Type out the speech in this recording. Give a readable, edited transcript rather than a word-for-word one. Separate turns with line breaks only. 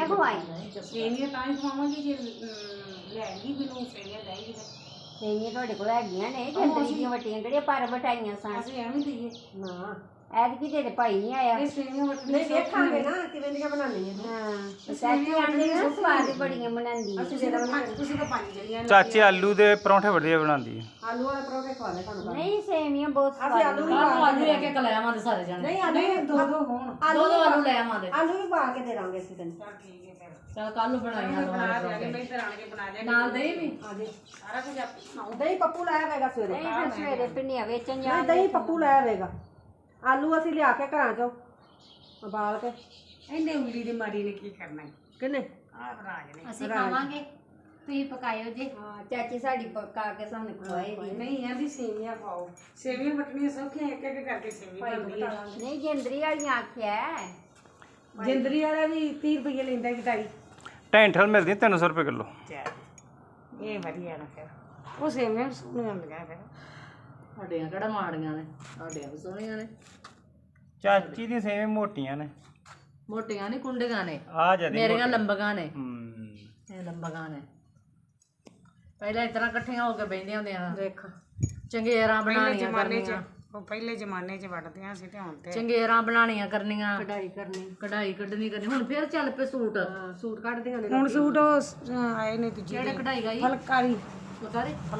ਖਵਾਈ
ਸੇਵੀਆਂ ਤਾਂ ਹੀ ਖਵਾਵਾਂਗੀ ਜੇ ਲੈਣਗੀ ਮੈਨੂੰ ਸੇਵੀਆਂ ਲੈਣਗੀ
ਸੇਵੀਆਂ ਤੁਹਾਡੇ ਕੋਲ ਹੈਗੀਆਂ ਨੇ ਜੰਦਰੀ ਦੀਆਂ ਵਟੀਆਂ ਕਿਹੜੀਆਂ ਪਰ ਵਟਾਈਆਂ ਸਨ
ਅਸੀਂ ਐਵੇਂ ਦਈਏ
ਨਾ
ਐਤਕੀ ਤੇਰੇ ਭਾਈ ਨਹੀਂ ਆਇਆ
ਇਹ ਸੇਵੀਆਂ ਵਟਣੀ
ਨਹੀਂ ਦੇਖਾਂਗੇ ਨਾ ਕਿਵੇਂ ਦੀਆਂ ਬਣਾਉਣੀਆਂ ਨੇ।
ਹਾਂ ਚਾਚੀ ਆਂਦੇ ਨਾ ਸਵਾਦ ਬੜੀਆਂ ਬਣਾਉਂਦੀ ਹੈ
ਤੁਸੀਂ ਤਾਂ ਪੰਜ ਜਣੀਆਂ
ਚਾਚੀ ਆਲੂ ਦੇ ਪਰੌਂਠੇ ਵਧੀਆ ਬਣਾਉਂਦੀ ਹੈ।
ਆਲੂ ਵਾਲੇ ਪਰੌਂਠੇ ਖਵਾ ਦੇ ਤੁਹਾਨੂੰ
ਨਹੀਂ ਸੇਵੀਆਂ ਬਹੁਤ
ਅਸੀਂ
ਸਵਾਦ
ਆਲੂ ਵੀ
ਆਲੂ ਲੈ ਕੇ ਲੈ ਆਵਾਂਗੇ ਸਾਰੇ ਜਾਣੇ
ਨਹੀਂ ਆਲੂ ਵੀ
ਦੋ ਦੋ ਹੋਣ
ਦੋ ਦੋ ਆਲੂ ਲੈ ਆਵਾਂਗੇ
ਆਲੂ ਵੀ ਪਾ ਕੇ ਦੇ ਦਾਂਗੇ ਅਸੀਂ ਤੈਨੂੰ।
ਚਲ ਠੀਕ ਹੈ ਫਿਰ
ਚਲ ਕੱਲ ਨੂੰ ਬਣਾਈਆਂ
ਬਣਾ ਦਿਆਂਗੇ ਮੈਂ ਇੱਧਰ ਆਣ ਕੇ ਬਣਾ ਦਿਆਂਗੇ
ਨਾਲ ਦਹੀਂ ਵੀ
ਸਾਰਾ ਕੁਝ ਆਪੇ ਬਣਾਓ
ਦਹੀਂ ਪੱਪੂ ਲਾਇਆ ਹੋਵੇਗਾ ਸਵੇਰੇ।
ਨਹੀਂ ਫਿਰ ਸਵੇਰੇ ਪਿੰਨੀਆਂ ਵੇਚਣ
ਨਹੀਂ
ਜਾ
ਦਹੀਂ ਪੱਪੂ ਲਾਇਆ ਹੋਵੇਗਾ। ਆਲੂ ਅਸੀਂ ਲਿਆ ਕੇ ਘਰਾਂ ਚੋਂ ਉਬਾਲ ਕੇ।
ਇਹਨੇ ਉਂਗਲੀ ਦੀ ਮਾਰੀ ਨੇ ਕੀ ਕਰਨਾ ਹੈ
ਕਿੰਨੇ
ਆਹ ਰਾਜ ਨੇ
ਅਸੀਂ ਖਾਵਾਂਗੇ ਤੁਸੀਂ ਪਕਾਇਓ ਜੀ ਹਾਂ ਚਾਚੀ ਸਾਡੀ ਪਕਾ ਕੇ ਸਾਨੂੰ ਖਵਾਏਗੀ
ਨਹੀਂ ਆਂਦੀ ਸੇਵੀਆਂ ਖਾਓ ਸੇਵੀਆਂ ਵਟਣੀਆਂ ਸੌਖੀਆਂ ਇੱਕ ਇੱਕ ਕਰਕੇ ਸੇਵੀਆਂ ਬਣਦੀ ਹੈ
ਨਹੀਂ ਜੰਦਰੀ ਵਾਲੀਆਂ ਆਖਿਆ
ਜਿੰਦਰੀ ਵਾਲਾ ਵੀ 30 ਰੁਪਏ ਲੈਂਦਾ ਕਿਤਾਈ
ਢੈਂਠਲ ਮਿਲਦੀ 300 ਰੁਪਏ ਕਿਲੋ।
ਇਹ ਵਧੀਆ ਨਾ ਫਿਰ ਉਹ ਸੇਵੀਆਂ ਸੋਹਣੀਆਂ ਹੁੰਦੀਆਂ ਫਿਰ
ਸਾਡੀਆਂ ਕਿਹੜਾ ਮਾੜੀਆਂ ਨੇ ਸਾਡੀਆਂ ਵੀ ਸੋਹਣੀਆਂ ਨੇ
ਚਾਚੀ ਦੀਆਂ ਸੇਵੇਂ ਮੋਟੀਆਂ ਨੇ
ਮੋਟੀਆਂ ਨਹੀਂ ਕੁੰਡੀਆਂ ਨੇ
ਆ ਜਦੀ
ਮੇਰੀਆਂ ਲੰਬੀਆਂ ਨੇ
ਹੂੰ
ਇਹ ਲੰਬੀਆਂ ਨੇ ਪਹਿਲਾਂ ਇਸ ਤਰ੍ਹਾਂ ਇਕੱਠੀਆਂ ਹੋ ਕੇ ਬੈਠੀਆਂ ਹੁੰਦੀਆਂ
ਦੇਖ
ਚੰਗੇਰਾਂ ਬਣਾਉਣੀਆਂ
ਜ਼ਮਾਨੇ 'ਚ
ਕਰਨੀਆਂ
ਉਹ ਪਹਿਲੇ ਜ਼ਮਾਨੇ 'ਚ ਵਟਦਿਆਂ ਸੀ ਤੇ ਹੁਣ ਤੇ
ਚੰਗੇਰਾਂ ਬਣਾਉਣੀਆਂ ਕਰਨੀਆਂ
ਕਢਾਈ ਕਰਨੀ।
ਕਢਾਈ ਕੱਢਣੀ ਕਰਨੀ ਹੁਣ ਫੇਰ ਚੱਲ ਪਏ ਸੂਟ
ਸੂਟ ਕੱਢਦੀਆਂ ਨੇ।
ਹੁਣ ਸੂਟ ਉਹ ਆਏ ਨੇ ਦੂਜੇ
ਜਿਹੜੇ ਕਢਾਈ ਗਈ
ਫਲਕਾਰੀ
ਪਤਾ ਨਹੀਂ